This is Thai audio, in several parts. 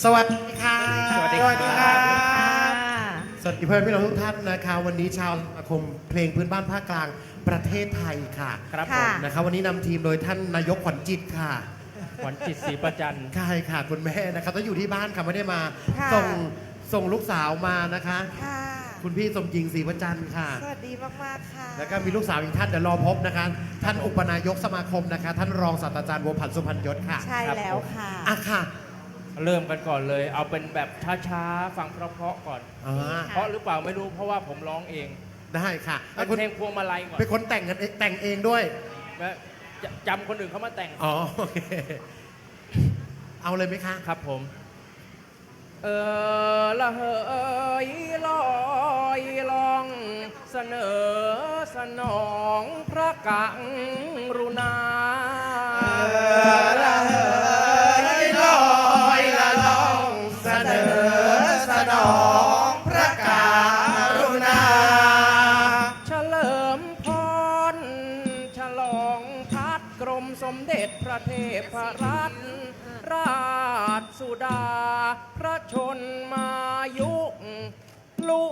สวัสดีค่ะสวัสดีสวัสดีค่ะค่ะสวัสดีเพื่อนพี่น้องทุกท่านนะคะวันนี้ชาวสมาคมเพลงพื้นบ้านภาคกลางประเทศไทยค่ะครับผค่ะมนะคะวันนี้นำทีมโดยท่านนายกขวัญจิตค่ะขวัญจิตศรีประจันทร์ใช่ค่ะคุณแม่นะครับต้องอยู่ที่บ้านค่ะไม่ได้มาค่ะส่งลูกสาวมานะคะค่ะคุณพี่สมจริงศรีประจันทร์ค่ะสวัสดีมาก ๆ ค่ะแล้วก็มีลูกสาวอีกท่านเดี๋ยวรอพบนะคะ ท่านอุปนายกสมาคมนะคะ ท่านรองศาสตราจารย์บัวผันสุพรรณยศค่ะใช่แล้วค่ะอ่ะค่ะเริ่มกันก่อนเลย เอาเป็นแบบช้าๆ ฟังเพราะๆก่อนอ่าเพราะหรือเปล่าไม่รู้เพราะว่าผมร้องเองได้ค่ะเป็นเพลงพวงมาลัยก่อนเป็นคนแต่งกันแต่งเองด้วยและจำคนอื่นเขามาแต่งอ๋อโอเคเอาเลยไหมคะครับผม ละเหยลอยลองเสนอสนองพระกังรุณาละเหยลอยละลองเสนอสนองพระกรุณาเฉลิมพรฉลองพัดกรมสมเด็จพระเทพรัตนราชสุดา พระชนมายุลุ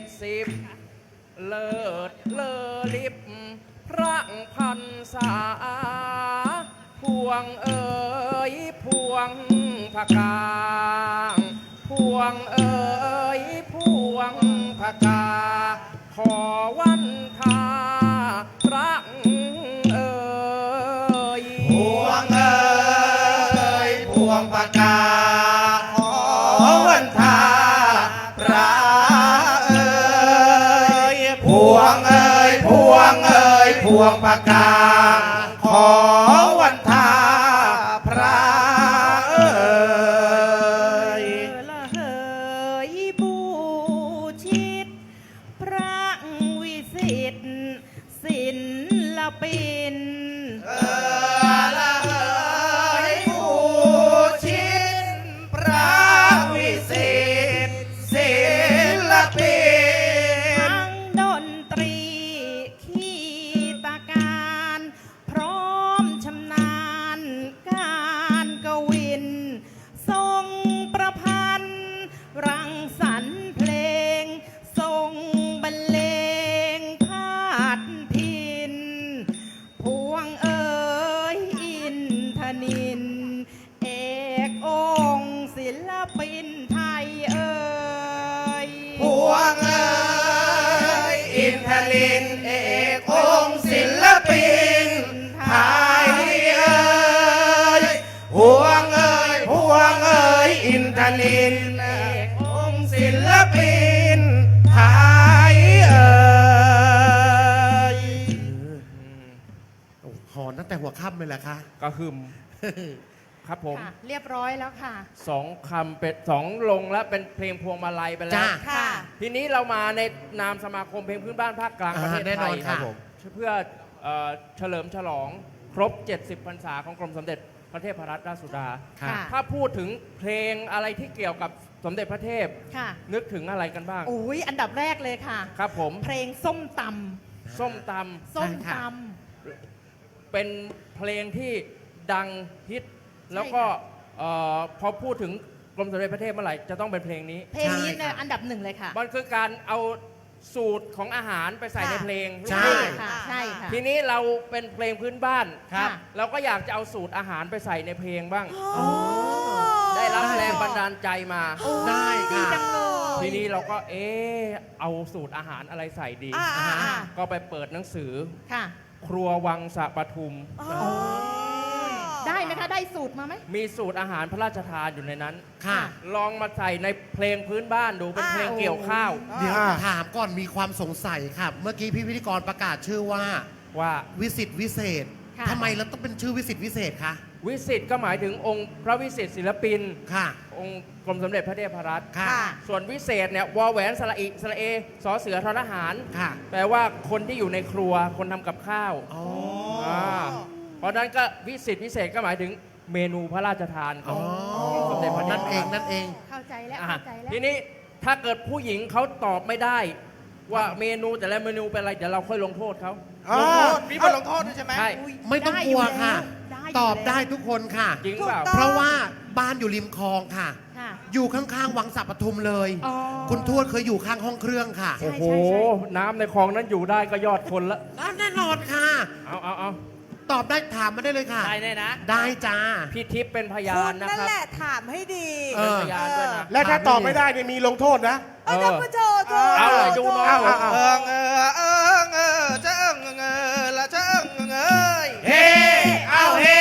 70 เลิศเลอลิบพระพันษา พวงเอ๋ยพวงพะกาพวงเอ๋ยพวงพะกา ขอวันทาพระเอ๋ยพวงเอ๋ยพวงปากกาขอวันทาพระเอ๋ยพวงเอ๋ยพวงเอ๋ยพวงปากกาขอวันทาพระเอ๋ยละเหยบูชิต พระวิสิทธิ์ศิลปินละเอ๋ยผู้ชินพระวิสิทธิ์ศิลปินทั้งดนตรีขีตาการ พร้อมชำนาญการกวิน ทรงประพันธ์รังสรรค์เพลง ทรงบรรเลงพาดพิน พวงเอ๋ยอินทนิน เอกองค์ศิลปินไทยเอ๋ยพวงเอ๋ยอินทลินเอกองค์ศิลปินไทยเอ๋ยพวงเอ๋ยพวงเอ๋ยอินทลินเอกองค์ศิลปินไทยเอ๋ยหอนตั้งแต่หัวค่ำเลยแหละคะกระหึ่มครับผมค่ะเรียบร้อยแล้วค่ะสองคำเป็นสองลงแล้วเป็นเพลงพวงมาลัยไปแล้วจ้าค่ะทีนี้เรามาในนามสมาคมเพลงพื้นบ้านภาคกลางประเทศแน่ไทนอนยค่ะเพื่อเฉลิมฉลองครบ 70 พรรษาของกรมสมเด็จพระเทพรัตนราชสุดาค่ะค่ะถ้าพูดถึงเพลงอะไรที่เกี่ยวกับสมเด็จพระเทพค่ะนึกถึงอะไรกันบ้างอุ้ยอันดับแรกเลยค่ะครับผมเพลงส้มตส้มตำส้มตำเป็นเพลงที่ดังฮิต แล้วก็พอพูดถึงกรมสมเด็จพระเทพเมื่อไหร่จะต้องเป็นเพลงนี้ำเพลงนี้ใช่เนี่ยค่ะอันดับหนึ่งเลยค่ะมันคือการเอาสูตรของอาหารไปใส่ในเพลงใช่ค่ะใช่ค่ะทีนี้เราเป็นเพลงพื้นบ้านครับเราก็อยากจะเอาสูตรอาหารไปใส่ในเพลงบ้างอ๋อได้รับแรงบันดาลใจมาโอ้ได้ดีค่ะจังเลยทีนี้เราก็เอาสูตรอาหารอะไรใส่ดีอ่าก็ไปเปิดหนังสือค่ะครัววังสะปทุมได้ไหมคะ ได้สูตรมาไหมมีสูตรอาหารพระราชทานอยู่ในนั้นค่ะลองมาใส่ในเพลงพื้นบ้านดูเป็นเพลงเกี่ยวข้าวเดี๋ยวถามก่อนมีความสงสัยค่ะ เมื่อกี้พี่พิธีกรประกาศชื่อว่าว่าวิสิตวิเศษค่ะทำไมเราต้องเป็นชื่อวิสิตวิเศษคะวิสิตก็หมายถึงองค์พระวิสิตศิลปินค่ะองค์กรมสมเด็จพระเทพรัตน์ค่ะส่วนวิเศษเนี่ยวอแหวนสระอิสระเอสอเสือทอทหารค่ะแปลว่าคนที่อยู่ในครัวคนทำกับข้าวอ๋อเพราะฉะนั้นก็วิสิตวิเศษก็หมายถึงเมนูพระราชทานขอ๋อองสมเด็จพระเทพนั่นเองรัตน์นั่นเองเข้าใจแล้วอ่ะเข้าใจแล้วทีนี้ถ้าเกิดผู้หญิงเขาตอบไม่ได้ ว่าเมนูแต่ละเมนูเป็นอะไรเดี๋ยวเราค่อยลงโทษเขาอ๋อมีบทลงโทษด้วยใช่ไหมใช่ไม่ต้องกลัวค่ะได้ยู่แล้วตอบได้ทุกคนค่ะจริงเปล่าเพราะว่าบ้านอยู่ริมคลองค่ะค่ะอยู่ข้างๆวังสัปทุมเลยอ๋อคุณทวดเคยอยู่ข้างห้องเครื่องค่ะใช่โอ้โห น้ำในคลองนั้นอยู่ได้ก็ยอดคนละแน่นอนค่ะเอาตอบได้ถามมาได้เลยค่ะได้แน่นะได้จ้าพี่ทิพย์เป็นพยาคุนณนะนั่นครับแหละถามให้ดีเออพยานด้วยนะและถ้าตอบไม่ได้เนี่ยมีลงโทษนะเออเดี๋ยวมาโจโจเอาเลยจูน้องเอาเออเจ้งละเจ้งเฮ้เอาเฮ้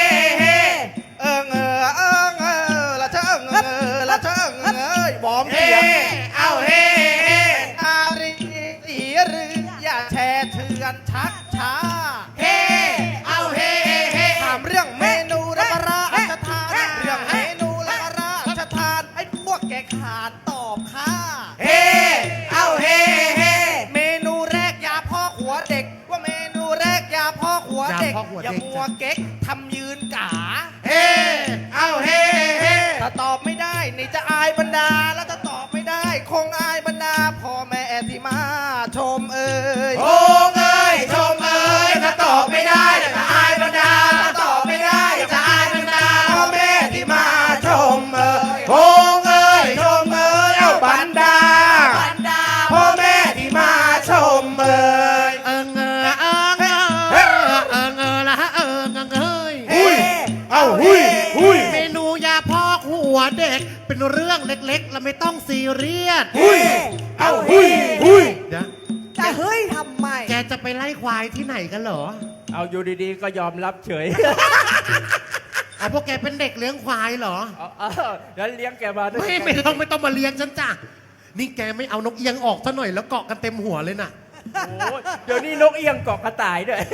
ละเจ้งละเจ้งบอมเสียงเอาเฮ้อารีสีรืออย่าแช่เถื่อนชักช้าเฮ้เอาเฮ้ถามเรื่องเมนูและราชทานเรื่องเมนูและราชทานให้พวกแกขาดตอบค่ะเฮ้เอาเฮ้เมนูแรกยาพ่อหัวเด็กว่าเมนูแรกยาพ่อหัวเด็กยาพ่อหัวเด็กอย่ามัวเก๊กทำยืนกาเฮ้เอาเฮ้ถ้าตอบไม่ได้นี่จะอายบรรดาแล้วถ้าตอบไม่ได้คงอายบรรดาพ่อแม่ที่มาชมเอ่ยโอ้เอ้ยชมเอ่ยถ้าตอบไม่ได้จะอายบรรดาถ้าตอบไม่ได้จะอายบรรดาพ่อแม่ที่มาชมเอ่ยโอ้เอ้ยชมเอ่ยเอาบรรดาพ่อแม่ที่มาชมเอ่ยเอิงเออเอิงเออเอิงเออละเอิงเอ้ยหุ้ยเอาหุ้ยเมนูยาพอกหัวเด็ก เป็นเรื่องเล็กๆ แล้วไม่ต้องซีเรียสหุ้ยเอาหุ้ยเดี๋ยวจะเฮ้ยทำไมแกจะไปไล่ควายที่ไหนกันเหรอเอาอยู่ดีๆ ก็ยอมรับเฉยเอาพวกแกเป็นเด็กเลี้ยงควายเหรอเอาแล้วเลี้ยงแกมาด้วยไม่ต้องมาเลี้ยงฉันจ้ะนี่แกไม่เอานกเอียงออกซะหน่อยแล้วเกาะกันเต็มหัวเลยน่ะโอ้ยเดี๋ยวนี้นกเอี้ยงเกาะกระต่ายด้วย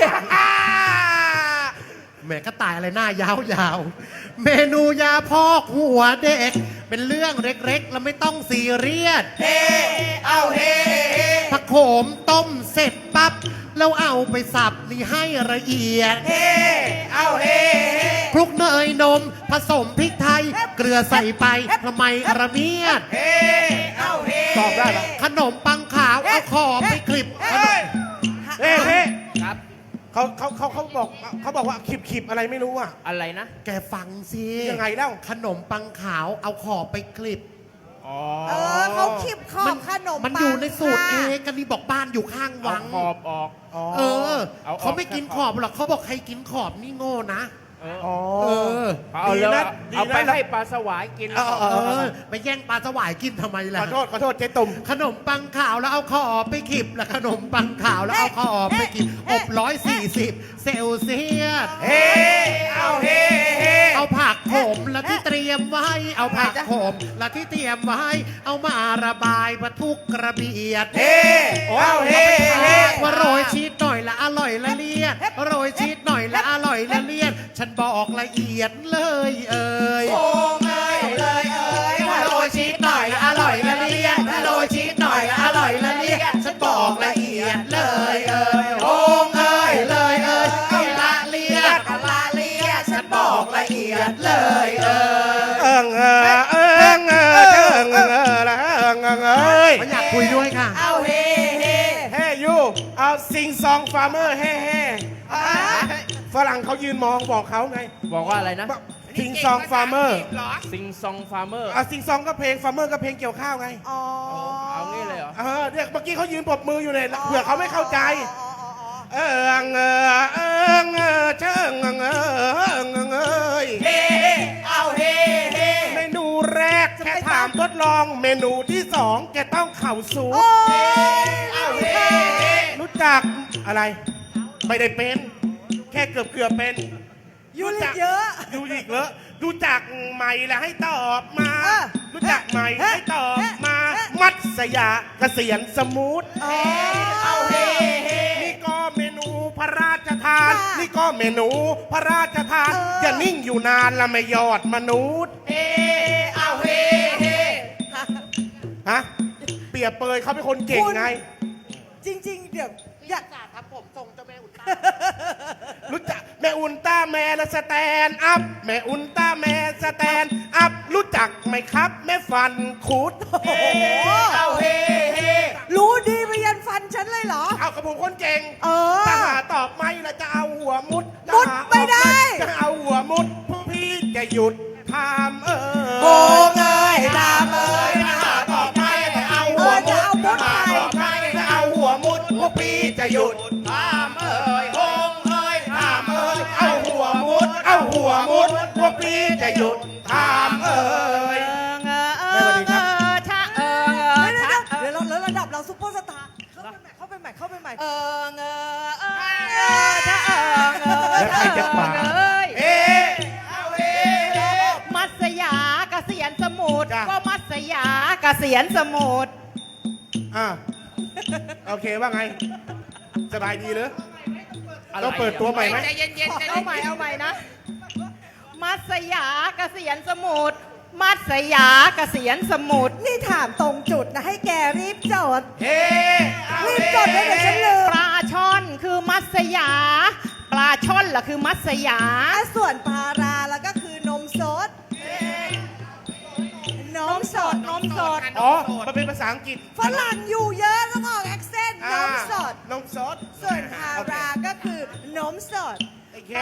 แหมกระต่ายอะไรหน้ายาวๆ เมนูยาพอกหัวเด็ก เป็นเรื่องเล็กๆ แล้วไม่ต้องซีเรียสเอาเฮ้ผักโขมต้มเสร็จปั๊บแล้วเอาไปสับนี่ให้ละเอียดเอาเฮ้คลุกเนยนมผสมพริกไทย เกลือใส่ไปทำไมระเมียดเอาเฮ้ตอบได้เหรอขนมปังขาวเอาขอบไปคลิปเฮ้เฮ้ครับเขาบอกว่าขีบอะไรไม่รู้อ่ะอะไรนะแกฟังสิยังไงเล่าขนมปังขาวเอาขอบไปคลิปอ๋อเออเขาขีบขอบขนมมันปังอยู่ในสูตรเอค่ะกันนี่บอกบ้านอยู่ข้างเอาวังขอบออกเออเอาออกเขาไม่กินขอบหรอกเขาบอกใครกินขอบนี่โง่นะเอออ๋อเออเอาแล้วดีนะเอาไปให้ปลาสวายกินเออเออไปแย่งปลาสวายกินทำไมล่ะขอโทษเจ๊ตุ่มขนมปังขาวแล้วเอาขอบไปคลิปแล้วขนมปังขาวแล้วเอาขอบไปคลิปอบ140 เซลเซียสเฮ้เอาเฮ้เฮ้เอาผักโขมและที่เตรียมไว้ เอาผักโขมและที่เตรียมไว้ เอามาระบายประทุกกระเบียดเฮ้เอาเฮ้เฮ้ว่าโรยชีสหน่อยละอร่อยละเลียดโรยชีสหน่อยละอร่อยละเลียด ฉันบอกละเอียดเลยเอ่ยโอ้เอ้ยเลยเอ้ยถ้าโรยชีสหน่อยละอร่อยละเลียดถ้าโรยชีสหน่อยละอร่อยละเลียด ฉันบอกละเอียดเลยเอ่ยโอ้เอ้ยเลยเอ่ยเอาละเลียดละเลียดฉันบอกละเอียดเลยเอ่ยเอิงเอิงเอิงละเอิงเอ้ยไม่อยากคุยด้วยค่ะเอาเฮ้เฮ้เฮ้ยูเอาซิงซองฟาร์เมอร์เฮ้เฮ้ฝรั่งเขายืนมองบอกเขาไงบอกว่าอะไรนะซิงซองฟาร์เมอร์ซิงซองฟาร์เมอร์ซิงซองก็เพลงฟาร์เมอร์ก็เพลงเกี่ยวข้าวไงอ๋อเอางี้เลยเหรอเนี่ยเมื่อกี้เขายืนปรบมืออยู่เนี่ยเผื่อเขาไม่เข้าใจ เอิงเชิงเอ้ยเฮ้เอาเฮ้เฮ้เมนูแรกแค่ถามทดลองเมนูที่สองแกต้องเข่าสูงโอ้เอาเฮ้รู้จักอะไร ไม่ได้เป็น แค่เกือบเป็นยูริเยอะยูริกเลอะรู้จักไหมแล้วให้ตอบมาเออรู้จักไหมให้ตอบมา มัตสยาเกษียณสมูทอ๋อเอาเฮ้นี่ก็เมนูพระราชทานค่ะนี่ก็เมนูพระราชทานเอออย่านิ่งอยู่นานละไม่ยอดมนุษย์เอาเฮ้ฮะเปรียบเปรยเขาเป็นคนเก่งไงจริง ๆ เดี๋ยวอยากครับผมส่งเจ้าแม่อุลตร้ารู้จักแม่อุลตร้าแมนและสแตนอัพแม่อุลตร้าแมนสแตนอัพรู้จักไหมครับแม่ฟันคุดโอ้โหเอาเฮ้เฮ้รู้ดีไปยันฟันฉันเลยเหรอเอากับผมคนเก่งเออถ้าหาตอบไม่แล้วจะเอาหัวมุดมุดไม่ได้จะเอาหัวมุดพวกพี่จะหยุดถามโอ้เงยตามจะหยุดถามเอ่ยโฮงเอ่ยถามเอ่ยเอาหัวมุดเอาหัวมุดพวกพี่จะหยุดถามเอ่ยเออชะเออชะเดี๋ยวเราระดับเราซุปเปอร์สตาร์เข้าไปใหม่เข้าไปใหม่เออชะเออแล้วใครจะขวาง เอ๊ะเอาเอ๊ะมัสยาเกษียณสมุทรจ้ะก็มัสยาเกษียณสมุทรอ่ะโอเคว่าไง สบายดีหรือต้องเปิดตัวใหม่ไหมใจเย็นๆใจเอาเย็นใหม่เอาใหม่นะ มัสยาเกษียณสมุทรมัสยาเกษียณสมุทรนี่ถามตรงจุดนะให้แกรีบจดเอ๊ะเอารีบเอ๊ะจดเลยเดี๋ยวฉันลืมปลาช่อนคือมัสยา ปลาช่อนล่ะคือมัสยาส่วนพาราแล้วก็คือนมสดนมสดนมสดอ๋อมันเป็นภาษาอังกฤษฝรั่งอยู่เยอะต้องออกแอคเซนต์นมสดนมสดส่วนพาราก็คือนมสดโอเค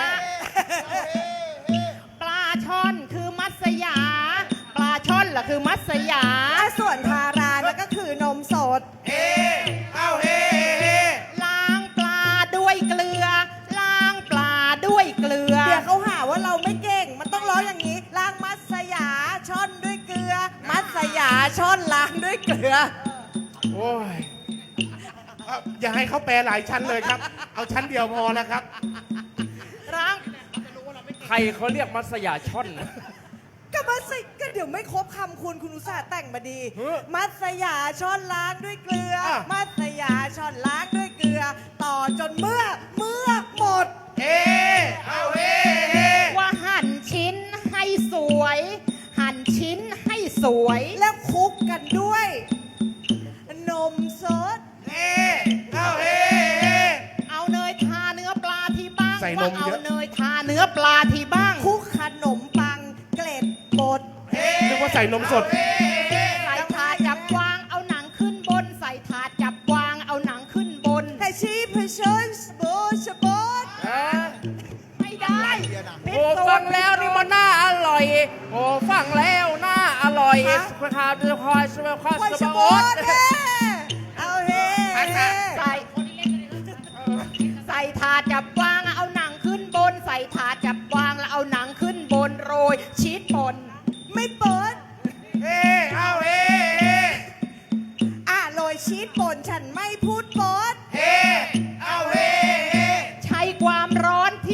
ปลาช่อนคือมัสยา ปลาช่อนล่ะคือมัสยาส่วนพารานั่นก็คือนมสดเอ๊ะเอาเอ๊ะล้างปลาด้วยเกลือ ล้างปลาด้วยเกลือเดี๋ยวเขาหาว่าเราไม่เก่ง มันต้องร้องอย่างนี้ ล้างมัสยาช่อนด้วยเกลือ มัสยาช่อนล้างด้วยเกลือโอ้ยอย่าให้เขาแปลหลายชั้นเลยครับ เอาชั้นเดียวพอแล้วครับล้างใครเขาเรียกมัสยาช่อนนะก็มัสยก็เดี๋ยวไม่ครบคำคุณอุตส่าห์แต่งมาดีเฮ้ยมัสยาช้อนล้างด้วยเกลืออ่ะมัสยาช้อนล้างด้วยเกลือ ต่อจนเมื่อหมดเอ๊ะเอาเอ๊ะว่าหั่นชิ้นให้สวย หั่นชิ้นให้สวยแล้วคลุกกันด้วย นมสดเอ๊ะเอาเอ๊ะเอาเนยทาเนื้อปลาที่บ้างใส่นว่าม เอาเยอะเนยทาเนื้อปลาที่บ้างคลุกขนมปังเกล็ดบดนึกว่าใส่นมสดใส่ถาดจับวางเอาหนังขึ้นบน ใส่ถาดจับวางเอาหนังขึ้นบนแต่ชีพชนสบูชบดไม่ได้พิษโอ้สูฟัจงน์แล้วนี่มันน่าอร่อย โอ้ฟังแล้วน่าอร่อยคุณทาจะคอยสบายคอยไวสชบาบยดเฮ้เอาเฮ้ใส่ใส่ถาดจับวางเอาหนังขึ้นบน ใส่ถาดจับวางแล้วเอาหนังขึ้นบนโรยชีสป่นไม่เปิดเอ๊ะเอาเอ๊ะโรยชีสป่นฉันไม่พูดบดเอ๊ะเอาเอ๊ะใช้ความร้อนที่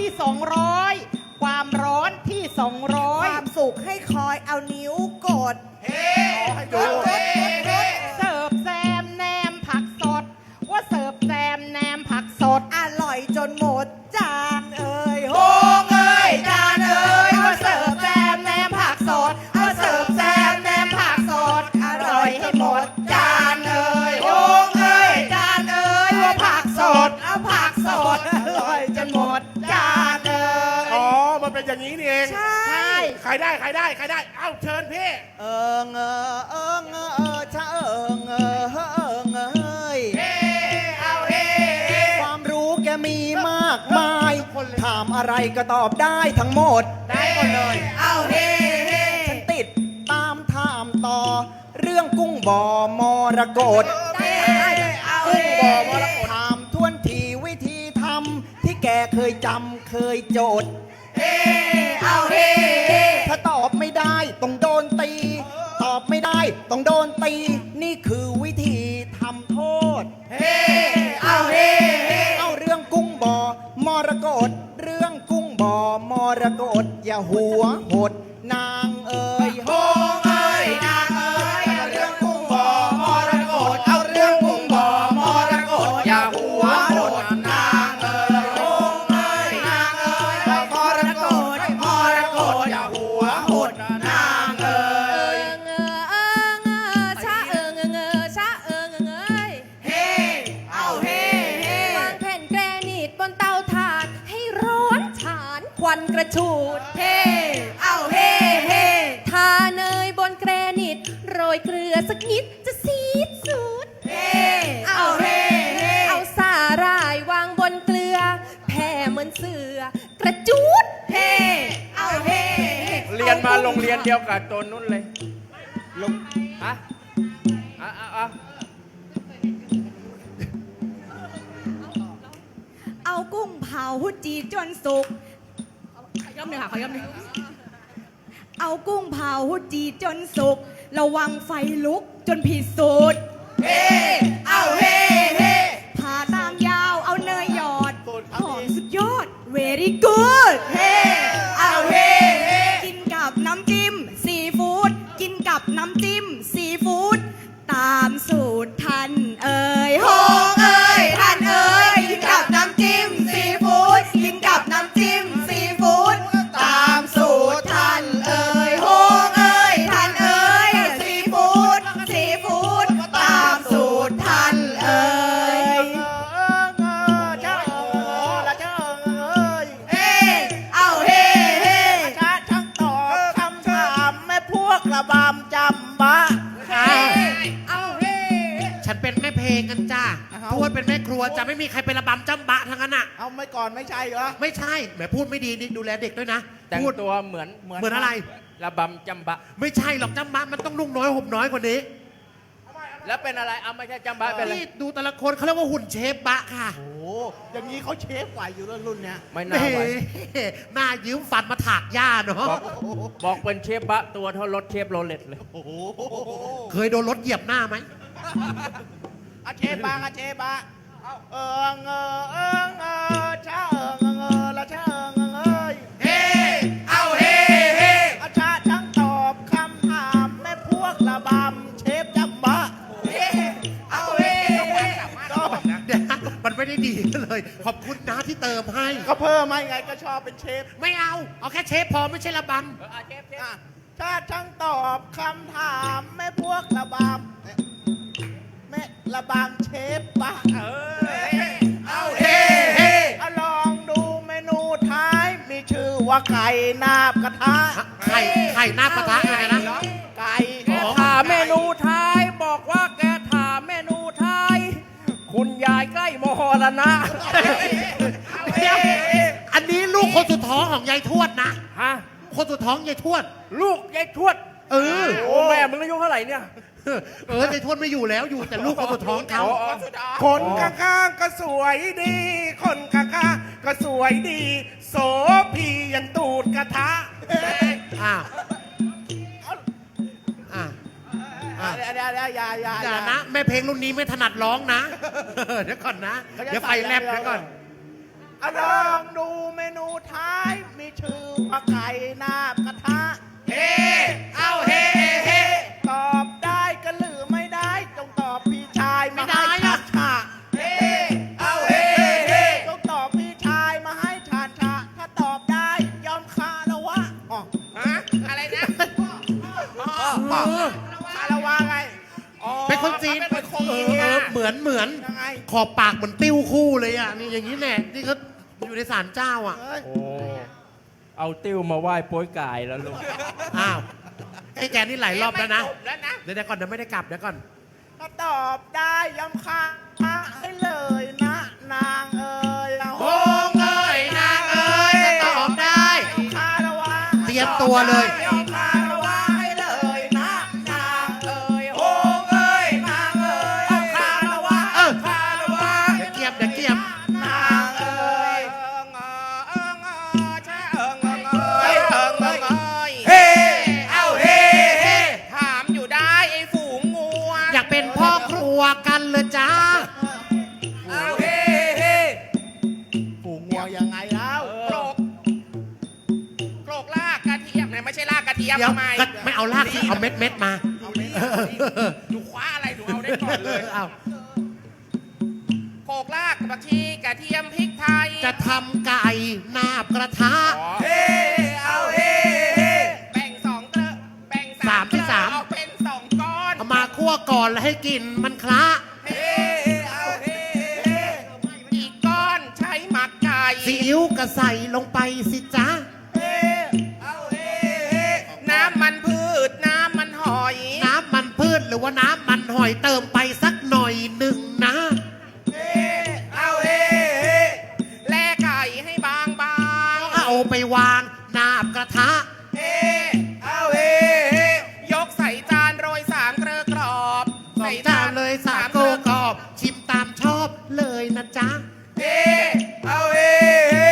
200 ความร้อนที่ค 200 วามสุขให้คอยเอานิ้วกดเอ๊ะให้ดูเสิร์ฟแซมแนมผักสด ว่าเสิร์ฟแซมแนมผักสดอร่อยจนหมดจานเอ่ยโฮโอ้งเอ้ยจานเอ้ยว่าเสิร์ฟแซมแนมผักสดว่าเสิร์ฟแซมแนมผักสด อร่อยให้หมดจานเอ่ยโอ้งเอ้ยจานเอ้ยว่าผักสดเอาผักสดอร่อยจนหมดจานเอ่ยอ๋อ มันเป็นอย่างนี้นี่เองใช่ใช่ใครได้ เอ้าเชิญพี่เอิงเออเอิงเออชะเอิงเออเอิงเอ้ยเอ๊ะเอาเอ๊ะความรู้แกมีมากมาย ถามอะไรก็ตอบได้ทั้งหมดได้หมดเลย เอาเฮ้เฮ้ฉันติดตามถามต่อ เรื่องกุ้งบ่อมรกตกุ้งบ่อมรกตถามทวนทีวิธีทำที่แกเคยจำเคยโจทย์เอ๊ะเอาเฮ้เฮ้ถ้าตอบไม่ได้ต้องโดนตี ตอบไม่ได้ต้องโดนตี นี่คือวิธีทำโทษเฮ้เอาเฮ้เฮ้เอาเรื่องกุ้งบ่อมรกตเรื่องกุ้งบ่อมรกตอย่าหัวหดนางเอ๋ยโอ้งเอ้ยนางเอ้ยเอาเรื่องกุ้งบ่อมรกตเอาเรื่องกุ้งบ่อมรกตอย่าหัวโดดนางเอ้ยโอ้งเอ้ยนางเอ้ยเอามรกตอย่าหัวโหดนางเอ้ย เฮ้เอาเฮ้เฮ้วางแผ่นแกรนิตบนเตาถ่านให้ร้อนฉานควันกระฉูดเฮ้เอาเฮ้เฮ้ทาเนยบนแกรนิตโรยเกลือสักนิดจะซีดสูดเฮ้เอาเฮ้เฮ้เอาสาหร่ายวางบนเกลือ แผ่เหมือนเสือกระจูดเฮ้เอาเฮ้เฮ้เรียนมาโรงเรียนเดียวกับตัวนุ่นเลยฮะจีจนสุกขย้ำหนึ่งค่ะขย้ำหนึ่งเอากุ้งเผาจีจนสุกระวังไฟลุกจนผิดสูตรเฮ้เอาเฮ้เฮ้ผ่าตามยาวเอาเนยหยอดหอมสุดยอด very good เฮ้เอาเฮ้เฮ้กินกับน้ำจิ้มซีฟู้ดกินกับน้ำจิ้มซีฟู้ดตามสูตรท่านเอ่ยโฮงเอ่ยท่านเอ่ยกินกับน้ำจิ้มซีฟู้ดกินกับน้ำจิ้มซีฟู้ดตามสูตรท่านเอ่ยโฮงเอ่ยท่านเอ่ยซีฟู้ดซีฟู้ดตามสูตรท่านเอ่ยเฮ้เอาเฮ้เฮ้ช้าช่างตอบคำถามแม่พวกระบำจำบะเอาเฮ้ฉันเป็นแม่เพลงกันจ้าทวดเป็นแม่ครัวจะไม่มีใครเป็นระบำจำบะทั้งนั้นอ่ะเอาไม่ก่อนไม่ใช่เหรอไม่ใช่แหมพูดไม่ดีนี่ดูแลเด็กด้วยนะแต่งพูดตัวเหมือนเหมือนอะไรระบำจำบะไม่ใช่หรอกจำบะมันต้องนุ่งน้อยห่มน้อยกว่านี้แล้วเป็นอะไรเอาไม่ใช่จำบะเป็นอะไรนี่ดูแต่ละคนเขาเรียกว่าหุ่นเชฟบะค่ะโอ้โหอย่างนี้เขาเชฟไหวอยู่แล้วรุ่นเนี้ยไม่แหน่าไหวมหน้ายืมฟันมาถากหญ้าเนาะบอกเป็นเชฟบะตัวเท่ารถเชฟโรเลตเลยโอ้โหเคยโดนรถเหยียบหน้าไหมอาเชฟบางอาเชฟบะเอิงช้าละช้าเฮ้เอาเฮ้เฮ้อาชาช่างตอบคำถามแม่พวกระบำเชฟจำบะเฮ้เอาเฮ้ก็เดี๋ยวมันไม่ได้ดีเลย ขอบคุณนะที่เติมให้ก็เพิ่มมาไงก็ชอบเป็นเชฟไม่เอา เอาแค่เชฟพอไม่ใช่ระบอ่ะชาช่างตอบคำถามแม่พวกระบำแม่ระบำเชฟบะเอาเฮ้เฮ้เอาลองดูเมนูท้ายมีชื่อว่าไก่นาบกระทะำไข่หน้ากระทะอะไรนะไก่แกถามเมนูไทยบอกว่าแกถามเมนูไทยคุณยายใกล้มรณะเดี๋ยวอันนี้ลูกคนสุดท้องของยายทวดนะฮะคนสุดท้องยายทวดลูกยายทวดเออโอ้แม่มึงอายุเท่าไหร่เนี่ยยายทวดไม่อยู่แล้วอยู่แต่ลูกคนสุดท้องเขาคนข้างๆก็สวยดี คนข้างๆก็สวยดี โสพียันตูดกระทะอ้าวอ่ะอ่ะเดี๋ยวอย่าอย่านะ แม่เพลงรุ่นนี้ไม่ถนัดร้องนะ เดี๋ยวก่อนนะ เดี๋ยวไฟแลบเดี๋ยวก่อนเอาลองดูเมนูท้ายมีชื่อว่าไก่นาบกระทะ เฮ้เอาเฮ้เฮ้ตอบได้ก็หรือไม่ได้ จงตอบพี่ชายมาให้ไม่ได้ชาอะชาเฮ้เอาเฮ้เฮ้จงตอบพี่ชายมาให้ชาชาถ้าตอบได้ยอมคาละวะอ๋อฮะอะไรนะคาละวะไงอ๋อเป็นคนจีนเป็นคนจีนเหมือนยังไงขอบปากเหมือนติ้วคู่เลยอ่ะนี่อย่างนี้แน่นี่เขาอยู่ในศาลเจ้าอ่ะเอ้ยโอ้เอาติ้วมาไหว้โป้ยกายแล้วลูกอ้าวไอ้แกนี่หลายรอบแล้วนะไม่จบแล้วนะเดี๋ยวก่อนเดี๋ยวไม่ได้กลับเดี๋ยวก่อนถ้าตอบได้ยอมค้างให้เลยนะนางเอ๋ยโอ้งเอ้ยนางเอ้ยถ้าตอบได้คาระวะเตรียมตัวเลยยอมคาระวะให้เลยนะนางเอ๋ยโอ้งเอ้ยนางเอ๋ยเอาคาระวะเออคาระวะเดี๋ยวเกียบนางเอ๋ยเฮ้เอาเฮ้เฮ้ถามอยู่ได้ไอ้ฝูงงูอะอยากเป็นพ่อครัวกันเลยจ้าเอาเฮ้เฮ้ฝูงงูยังไงแล้วโกรกลากกระเทียมเนี่ยไม่ใช่ลากกระเทียมเดี๋ยวทำไมก็ไม่เอาลากสิเอาเม็ดมาเอาไม่ดูคว้าอะไรดูเอาได้ก่อนเลยเอาโขกลากผักชีกระเทียมพริกไทยจะทำไก่นาบกระทะเฮ้เอาเฮ้เฮ้แบ่งสองเกลือแบ่งสามที่เกลือสามเอาเป็นสองก้อนเอามาคั่วก่อนแล้วให้กลิ่นมันคละเฮ้เอาเฮ้เฮ้อีกก้อนใช้หมักไก่ซีอิ๊วก็ใส่ลงไปสิจ๊ะเฮ้เอาเฮ้เฮ้น้ำมันพืชน้ำมันหอยน้ำมันพืชหรือว่าน้ำมันหอยเติมไปสักหน่อยหนึ่งนะเฮ้เอาเฮ้เฮ้แล่ไก่ให้บางบางเอาไปวางนาบกระทะเฮ้เอาเฮ้เฮ้ยกใส่จานโรยสามเกลือกรอบใส่จานเลยสามโกกรอบ ชิมตามชอบเลยนะจ๊ะเฮ้เอาเฮ้เฮ้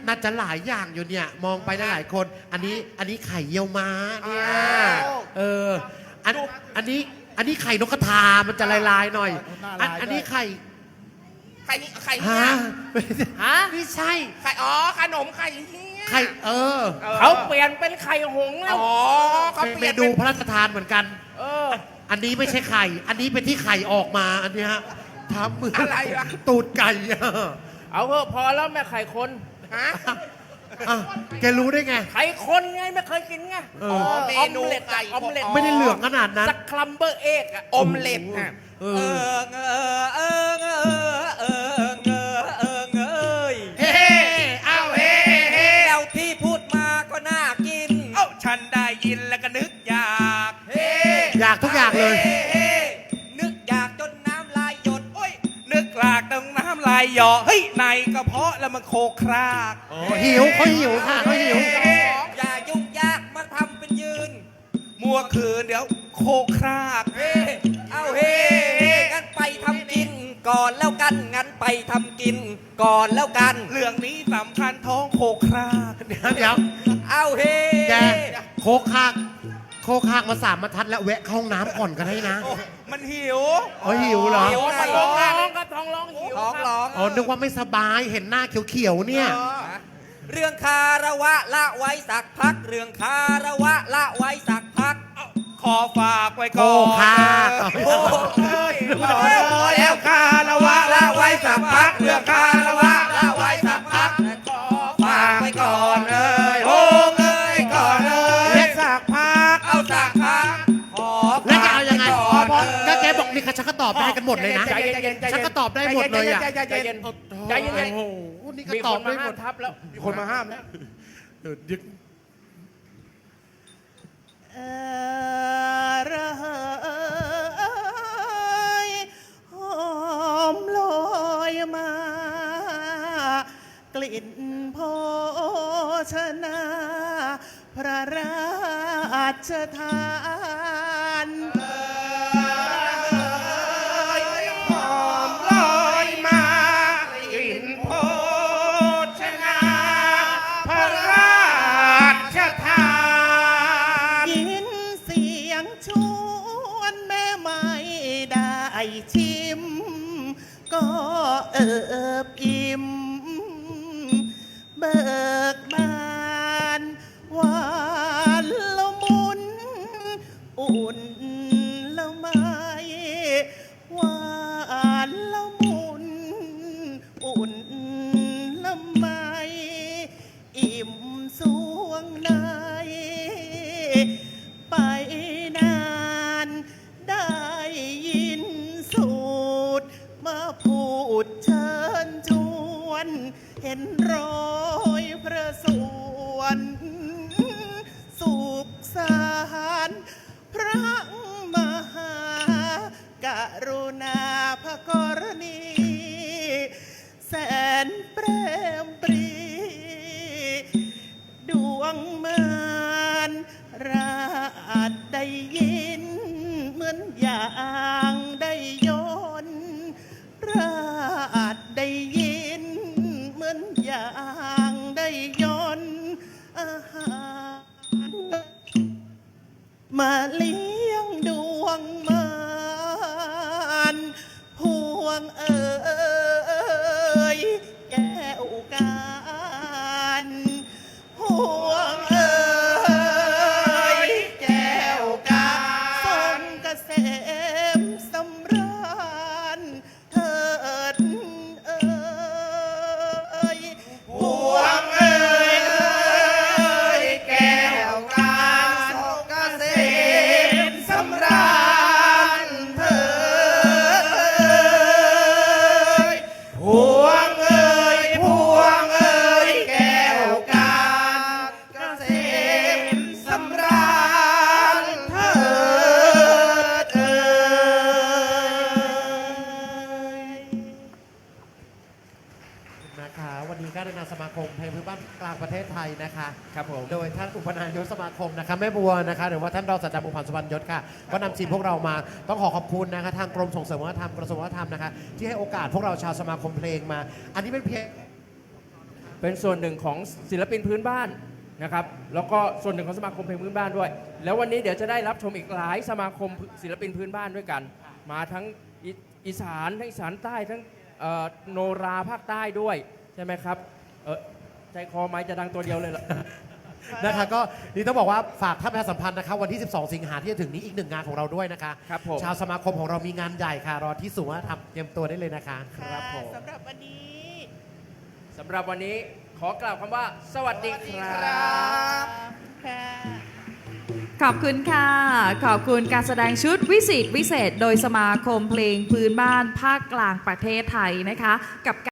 น่าจะหลายอย่างอยู่เนี่ย มองไปหลายๆคน อันนี้ไข่เยี่ยวม้าเนี่ยเอออันนี้ไข่นกกระทามันจะลายๆหน่อย อันนี้ไข่ไข่นี่ไข่ฮะเนี่ยฮะไม่ใช่ไข่ขนมไข่เฮียไข่อเขาเปลี่ยนเป็นไข่หงส์แล้วเขาเป็นเปเมลี่ยนนูเป็นพระราชทานเหมือนกันเอออันนี้ไม่ใช่ไข่ อันนี้เป็นที่ไข่ออกมาอันเนี้ยทำมืออะไรวะตูดไก่อะเอาเถอะพอแล้วแม่ไข่คนฮะอ่ะแกรู้ได้ไงไข่คนไงไม่เคยกินไงเออเมนูออมเล็ตไก่ออมเล็ตไม่ได้เหลืองขนาดนั้นสักคลัมเบอร์เอกอะอมเล็ตอ่ะเอเอออเงอเออเงอเออเงอเออเงอเอ้ยเฮ้เอาเฮ้เฮ้แล้วที่พูดมาก็น่ากินเอ้าฉันได้ยินแล้วก็นึกอยากเฮ้อยากทุกอย่างเลยเฮ้นึกอยากจนน้ำลายหยดโอ้ยนึกลากตรงน้ำลายหยอเฮ้ยในกระเพาะแล้วมันโคครากหิวเขาหิวค่ะเขาหิวอย่ายุ่งยากมาทำเป็นยืนมัวคืนเดี๋ยวโคครากเฮ้เอาเฮ้งั้นไปทำกิน ก่อนแล้วกันงั้นไปทำกิน ก่อนแล้วกันเรื่องนี้สำคัญท้องโคครากเดี๋ยวเอาเฮ้แกโคคากมา3 บรรทัดแล้วแวะเข้าห้องน้ำก่อนกันให้นะโอ้มันหิวอ๋อหิวเหรอหิวท้ท้ออง งร้ร้ออง งครับท้องร้องหิวท้องครับร้องอ๋อนึกว่าไม่สบายเห็นหน้าเขียวๆเนี่ยเรื่องคาระวะละไว้สักพัก เรื่องคาระวะละไว้สักพักขอฝากไว้โคก่อนคากโอ้ยพอแล้วคาระวะละไว้สักพักเรื่องคาระวะละไว้สักพักฝากไว้ก่อนเอ้ยโอ้เอ้ยก่อนเอ้ยสักพักเอาสักพักขอแล้วจะเอายังไงฝากว้ก่อนก็แกบอกนี่ค่ะฉันก็ตอบได้กันหมดเลยนะใจเย็นๆใจเย็นๆฉันก็ตอบได้หมดเลยอ่ะใจเย็นใจเย็นโอ้โหนี่ก็มีตคอบนมาได้หห้ามดทับแล้วมีคนมาห้ามแล้วเดี๋ยวเออระเหยหอมลอยมา กลิ่นโภชนา พระราชทานหอมลอยมากลิ่นโภชนาพระราชทานยินเสียงชวนแม่ไม่ได้ชิม ก็เอิบอิ่ม เบิกบานหวานละมุน อุ่นละไมหวานละมุน อุ่นละไมอิ่มสวงใน ไปนานได้ยินสูตร มาพูดเชิญชวน เห็นรอยพระสวนสุขสารพระมหากรุณาพระกรณี แสนเปรมปรี ดวงมารราดได้ยิน เหมือนอย่างได้ยนต์ราดได้ยิน เหมือนอย่างได้ยนต์อาหารมาเลี้ยงดวงมารพวงเอ๋ยแก้วการพวงเอ๋ยแก้วการทรงเกษมสำราญเถิดเอ๋ยพวงเอ๋ยแก้วการทรงเกษมสำราญเถิดพวงเอ้ยพวงเอ้ยแก้วการเกษมสำราญเถิดเอ้ยนะคะวันนี้ก็ในนามสมาคมเพลงพื้นบ้านกลางประเทศไทยนะคะครับผมโดยท่านอุปนายกสมาคมนะคะแม่บัวนะคะหรือว่าท่านรองศาสตราจารย์บุญพันธ์สุวรรณยศค่ะก็นำทีมพวกเรามาต้องขอบคุณนะคะทางกรมส่งเสริมวัฒนธรรมกระทรวงวัฒนธรรมนะคะที่ให้โอกาสพวกเราชาวสมาคมเพลงมา อันนี้เป็นเพียงเป็นส่วนหนึ่งของศิลปินพื้นบ้านนะครับแล้วก็ส่วนหนึ่งของสมาคมเพลงพื้นบ้านด้วย แล้ววันนี้เดี๋ยวจะได้รับชมอีกหลายสมาคมศิลปินพื้นบ้านด้วยกัน มาทั้งอีสานทั้งอีสานใต้ทั้งโนราภาคใต้ด้วยใช่ไหมครับใจคอไม้จะดังตัวเดียวเลยเหรอนะคะก็นี่ต้องบอกว่าฝากท่านประชาสัมพันธ์นะคะวันที่ 12 สิงหาที่จะถึงนี้อีกหนึ่งงานของเราด้วยนะคะครับผมชาวสมาคมของเรามีงานใหญ่ค่ะรอที่สูงทำเตรียมตัวได้เลยนะคะครับผมสำหรับวันนี้สำหรับวันนี้ขอกล่าวคำว่า สวัสดีครับค่ะขอบคุณค่ะ ขอบคุณการแสดงชุดวิเศษโดยสมาคมเพลงพื้นบ้านภาคกลางประเทศไทยนะคะกับ